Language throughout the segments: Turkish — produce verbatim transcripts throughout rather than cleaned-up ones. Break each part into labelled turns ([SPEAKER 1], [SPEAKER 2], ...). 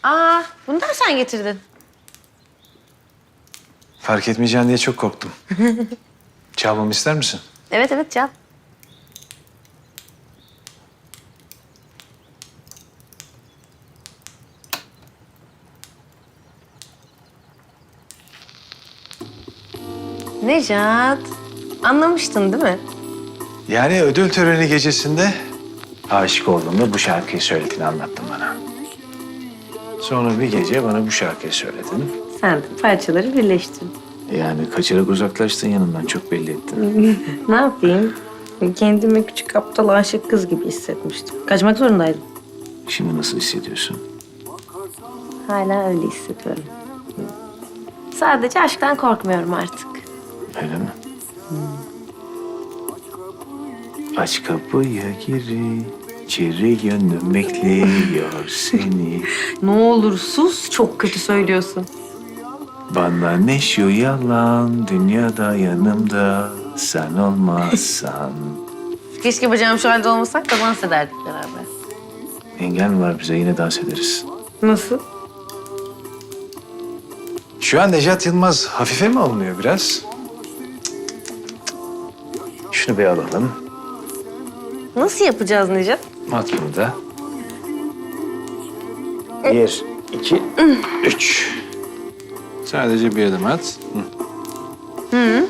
[SPEAKER 1] Aa, bunu da mı sen getirdin?
[SPEAKER 2] Fark etmeyeceğin diye çok korktum. Çalmamı ister misin?
[SPEAKER 1] Evet evet Can. Nejat, anlamıştın değil mi?
[SPEAKER 2] Yani ödül töreni gecesinde aşık olduğumda bu şarkıyı söylediğini anlattın bana. Sonra bir gece bana bu şarkıyı söyledin.
[SPEAKER 1] Sen de parçaları birleştirdin.
[SPEAKER 2] Yani kaçarak uzaklaştın yanımdan, çok belli ettin.
[SPEAKER 1] Ne yapayım? Kendimi küçük aptal aşık kız gibi hissetmiştim. Kaçmak zorundaydım.
[SPEAKER 2] Şimdi nasıl hissediyorsun?
[SPEAKER 1] Hala öyle hissediyorum. Sadece aşktan korkmuyorum artık.
[SPEAKER 2] Öyle mi? Aç kapıyı gir, içeri gönlüm bekliyor seni.
[SPEAKER 1] Ne olur sus, çok kötü söylüyorsun.
[SPEAKER 2] Bana ne şu yalan, dünyada yanımda sen olmazsan.
[SPEAKER 1] Keşke bacağım şu halde olmasak da dans ederdik beraber.
[SPEAKER 2] Engel mi var bize, yine dans ederiz.
[SPEAKER 1] Nasıl?
[SPEAKER 2] Şu an Nejat Yılmaz hafife mi alınıyor biraz? Şunu bir alalım.
[SPEAKER 1] Nasıl yapacağız Nejat?
[SPEAKER 2] At burada. Bir, iki, üç. Sadece bir adım at. Hı.
[SPEAKER 1] Hı.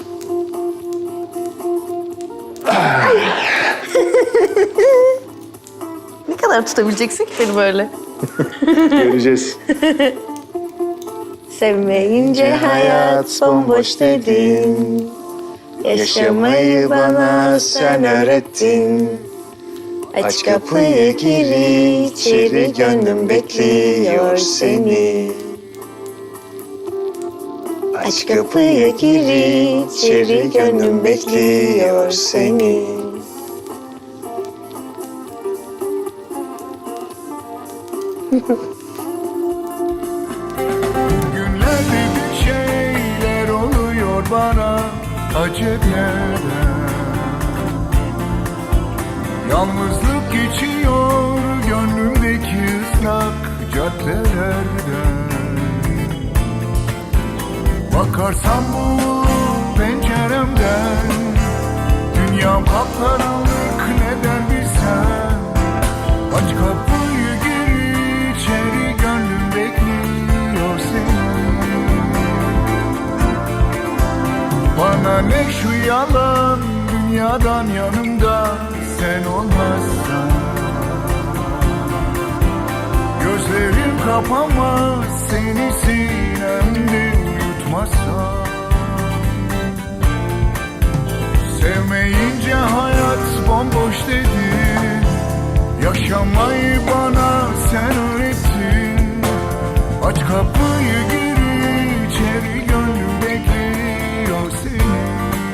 [SPEAKER 1] Ne kadar tutabileceksin ki beni böyle?
[SPEAKER 2] Göreceğiz.
[SPEAKER 1] Sevmeyince hayat bomboş dedin. Yaşamayı bana sen öğrettin. Aç kapıyı gir içeri, gönlüm bekliyor seni. Aç kapıyı gir içeri, gönlüm bekliyor seni.
[SPEAKER 3] Günlerde bir şeyler oluyor bana aceleden. Yalnızlık geçiyor gönlümdeki ıslak caddelerden. Bakarsam bu penceremden, dünyam kapkaranlık neden bilsem. Aç kapıyı gir içeri, gönlüm bekliyor seni. Bana ne şu yalan, dünyadan yanımda sen olmazsan. Gözlerim kapanmaz seni sinemde yutmazsam. Sevmeyince hayat bomboş dedin. Yaşamayı bana sen öğrettin. Aç kapıyı gir içeri, gönlüm bekliyor seni.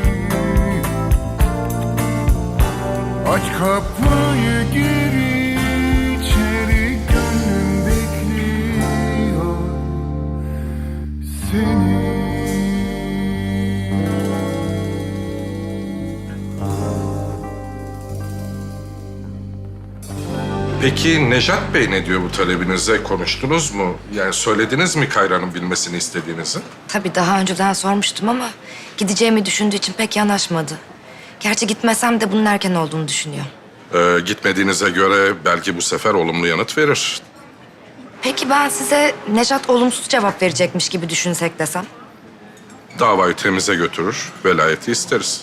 [SPEAKER 3] Aç kapıyı gir içeri, gönlüm bekliyor seni.
[SPEAKER 4] Peki Nejat Bey ne diyor bu talebinize? Konuştunuz mu? Yani söylediniz mi Kayra'nın bilmesini istediğinizi?
[SPEAKER 5] Tabii daha önceden sormuştum ama gideceğimi düşündüğü için pek yanaşmadı. Gerçi gitmesem de bunun erken olduğunu düşünüyor.
[SPEAKER 4] Ee, gitmediğinize göre belki bu sefer olumlu yanıt verir.
[SPEAKER 5] Peki ben size Nejat olumsuz cevap verecekmiş gibi düşünsek desem?
[SPEAKER 4] Davayı temize götürür, velayeti isteriz.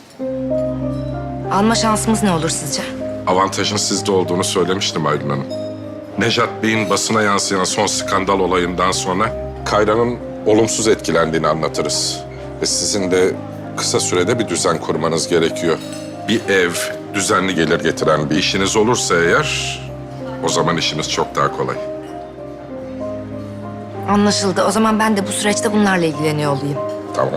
[SPEAKER 5] Alma şansımız ne olur sizce?
[SPEAKER 4] Avantajın sizde olduğunu söylemiştim Aylin Hanım. Nejat Bey'in basına yansıyan son skandal olayından sonra Kayra'nın olumsuz etkilendiğini anlatırız. Ve sizin de kısa sürede bir düzen kurmanız gerekiyor. Bir ev, düzenli gelir getiren bir işiniz olursa eğer, o zaman işiniz çok daha kolay.
[SPEAKER 5] Anlaşıldı. O zaman ben de bu süreçte bunlarla ilgileniyor olayım.
[SPEAKER 4] Tamam.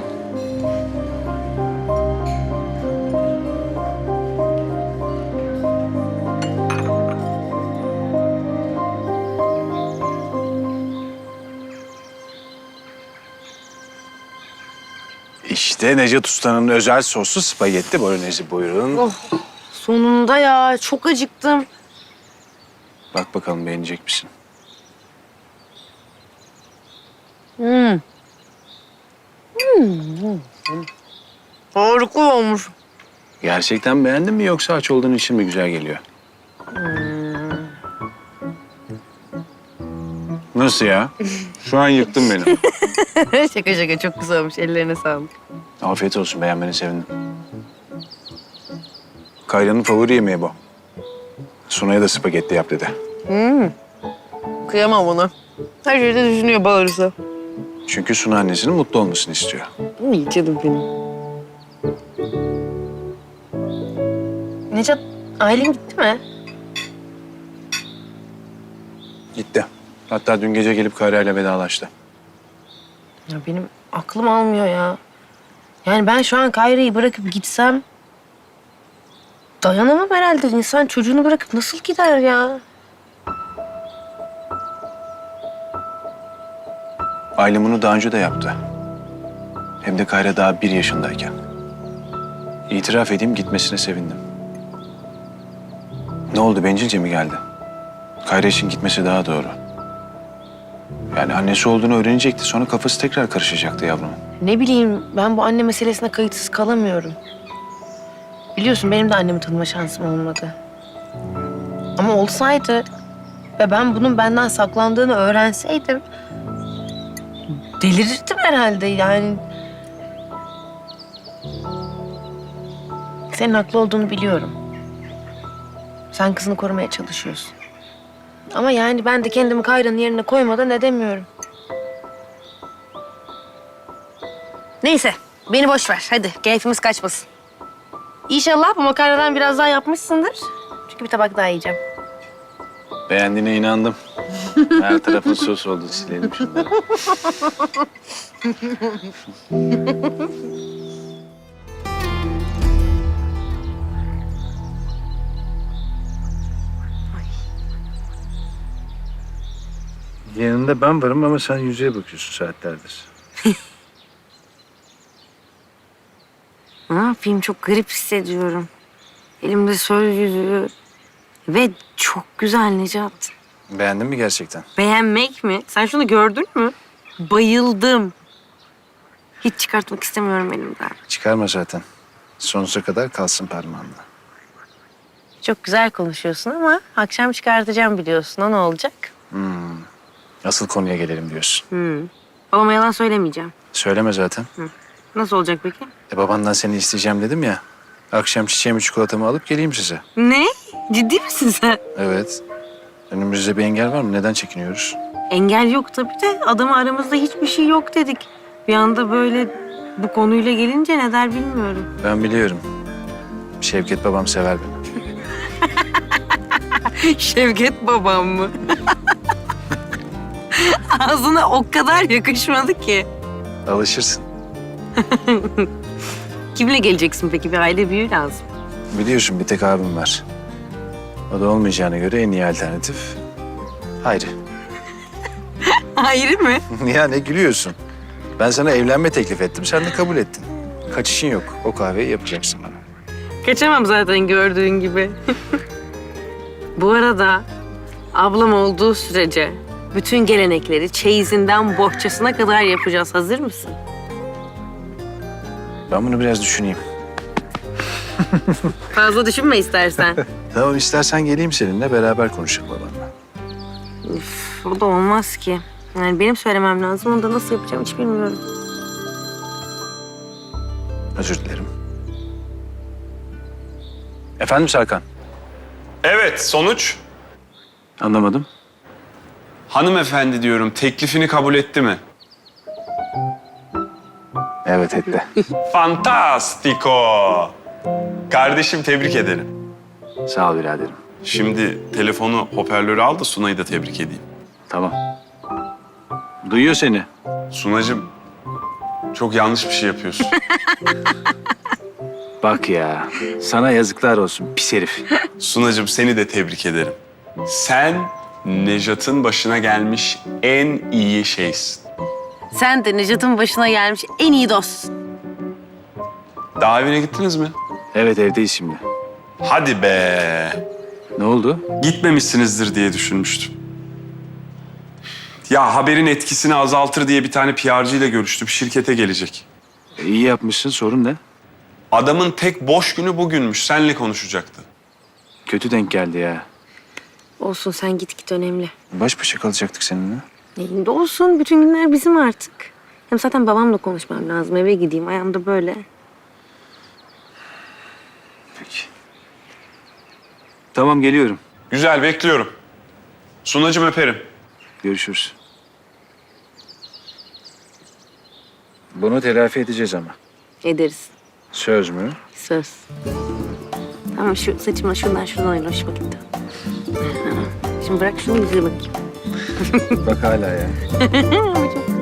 [SPEAKER 2] İşte Nejat Usta'nın özel soslu spagetti bolognese, buyurun.
[SPEAKER 1] Oh, sonunda ya. Çok acıktım.
[SPEAKER 2] Bak bakalım beğenecek misin?
[SPEAKER 1] Harika olmuş.
[SPEAKER 2] Gerçekten beğendin mi yoksa aç olduğun için mi güzel geliyor? Nasıl ya? Şu an yıktın beni.
[SPEAKER 1] Şaka şaka çok güzel olmuş. Ellerine sağlık.
[SPEAKER 2] Afiyet olsun, beğenmeni sevindim. Kayra'nın favori yemeği bu. Sunay'a da spagetti yap dedi.
[SPEAKER 1] Kıyamam ona. Her şeyde düşünüyor bağırırsa.
[SPEAKER 2] Çünkü Suna annesinin mutlu olmasını istiyor.
[SPEAKER 1] İyi canım benim. Necat, ailen gitti mi?
[SPEAKER 2] Gitti. Hatta dün gece gelip Kayra'yla vedalaştı.
[SPEAKER 1] Ya benim aklım almıyor ya. Yani ben şu an Kayra'yı bırakıp gitsem... dayanamam herhalde. İnsan çocuğunu bırakıp nasıl gider ya?
[SPEAKER 2] Ailem bunu daha önce de yaptı. Hem de Kayra daha bir yaşındayken. İtiraf edeyim, gitmesine sevindim. Ne oldu, bencilce mi geldi? Kayra için gitmesi daha doğru. Yani annesi olduğunu öğrenecekti. Sonra kafası tekrar karışacaktı yavrumun.
[SPEAKER 1] Ne bileyim, ben bu anne meselesine kayıtsız kalamıyorum. Biliyorsun benim de annemi tanıma şansım olmadı. Ama olsaydı ve ben bunun benden saklandığını öğrenseydim... delirirdim herhalde yani. Senin haklı olduğunu biliyorum. Sen kızını korumaya çalışıyorsun. Ama yani ben de kendimi Kayra'nın yerine koymadan edemiyorum. Neyse, beni boş ver. Hadi, keyfimiz kaçmasın. İnşallah bu makarnadan biraz daha yapmışsındır. Çünkü bir tabak daha yiyeceğim.
[SPEAKER 2] Beğendiğine inandım. Her tarafın sos oldu, silelim şunları. Yanında ben varım ama sen yüzeye bakıyorsun saatlerdir.
[SPEAKER 1] Ne yapayım? Çok garip hissediyorum. Elimde söz yüzüğü ve çok güzel Necat.
[SPEAKER 2] Beğendin mi gerçekten?
[SPEAKER 1] Beğenmek mi? Sen şunu gördün mü? Bayıldım. Hiç çıkartmak istemiyorum elimden.
[SPEAKER 2] Çıkarma zaten. Sonsuza kadar kalsın parmağında.
[SPEAKER 1] Çok güzel konuşuyorsun ama akşam çıkartacağım biliyorsun. O ne olacak?
[SPEAKER 2] Asıl konuya gelelim diyorsun.
[SPEAKER 1] Hmm. Babama yalan söylemeyeceğim.
[SPEAKER 2] Söyleme zaten.
[SPEAKER 1] Nasıl olacak peki?
[SPEAKER 2] E babandan seni isteyeceğim dedim ya. Akşam çiçeğimi çikolatamı alıp geleyim size.
[SPEAKER 1] Ne? Ciddi misin sen?
[SPEAKER 2] Evet. Önümüzde bir engel var mı? Neden çekiniyoruz?
[SPEAKER 1] Engel yok tabii de adamı aramızda hiçbir şey yok dedik. Bir anda böyle bu konuyla gelince ne der bilmiyorum.
[SPEAKER 2] Ben biliyorum. Şevket babam sever beni.
[SPEAKER 1] Şevket babam mı? Ağzına o kadar yakışmadı ki.
[SPEAKER 2] Alışırsın.
[SPEAKER 1] Kimle geleceksin peki? Bir aile büyüğü lazım.
[SPEAKER 2] Biliyorsun bir tek abim var. O da olmayacağına göre en iyi alternatif Hayri.
[SPEAKER 1] Hayır mı?
[SPEAKER 2] Ya ne gülüyorsun? Ben sana evlenme teklif ettim, sen de kabul ettin. Kaçışın yok. O kahveyi yapacaksın bana.
[SPEAKER 1] Kaçamam zaten gördüğün gibi. Bu arada ablam olduğu sürece bütün gelenekleri çeyizinden bohçasına kadar yapacağız. Hazır mısın?
[SPEAKER 2] Ben bunu biraz düşüneyim.
[SPEAKER 1] Fazla düşünme istersen.
[SPEAKER 2] Tamam, istersen geleyim seninle beraber konuşalım babanla.
[SPEAKER 1] Üf, o da olmaz ki. Yani benim söylemem lazım. Onu da nasıl yapacağım hiç bilmiyorum.
[SPEAKER 2] Özür dilerim. Efendim Serkan?
[SPEAKER 6] Evet, sonuç?
[SPEAKER 2] Anlamadım.
[SPEAKER 6] Hanımefendi diyorum, teklifini kabul etti mi?
[SPEAKER 2] Evet etti.
[SPEAKER 6] Fantastico! Kardeşim tebrik ederim.
[SPEAKER 2] Sağ ol biraderim.
[SPEAKER 6] Şimdi telefonu hoparlöre al da Sunay'ı da tebrik edeyim.
[SPEAKER 2] Tamam. Duyuyor seni.
[SPEAKER 6] Sunacığım, çok yanlış bir şey yapıyorsun.
[SPEAKER 2] Bak ya, sana yazıklar olsun pis herif.
[SPEAKER 6] Sunacığım seni de tebrik ederim. Sen Nejat'ın başına gelmiş en iyi şeysin.
[SPEAKER 1] Sen de Necat'ın başına gelmiş en iyi dostsun.
[SPEAKER 6] Daha evine gittiniz mi?
[SPEAKER 2] Evet, evdeyiz şimdi.
[SPEAKER 6] Hadi be!
[SPEAKER 2] Ne oldu?
[SPEAKER 6] Gitmemişsinizdir diye düşünmüştüm. Ya haberin etkisini azaltır diye bir tane P R'cı ile görüştüm. Şirkete gelecek.
[SPEAKER 2] İyi yapmışsın, sorun ne?
[SPEAKER 6] Adamın tek boş günü bugünmüş. Seninle konuşacaktı.
[SPEAKER 2] Kötü denk geldi ya.
[SPEAKER 1] Olsun, sen git git, önemli.
[SPEAKER 2] Baş başa kalacaktık seninle.
[SPEAKER 1] Neyinde olsun, bütün günler bizim artık. Hem zaten babamla konuşmam lazım, eve gideyim, ayağımda böyle.
[SPEAKER 2] Peki. Tamam, geliyorum.
[SPEAKER 6] Güzel, bekliyorum. Sunacığım, öperim.
[SPEAKER 2] Görüşürüz. Bunu telafi edeceğiz ama.
[SPEAKER 1] Ederiz,
[SPEAKER 2] Söz mü?
[SPEAKER 1] söz. Tamam, şu saçımla şuradan şuradan oyna, hoşuma gitti. Şimdi bırak şunu, yüzüne bakayım.
[SPEAKER 2] Bak hala ya.
[SPEAKER 1] Ama çok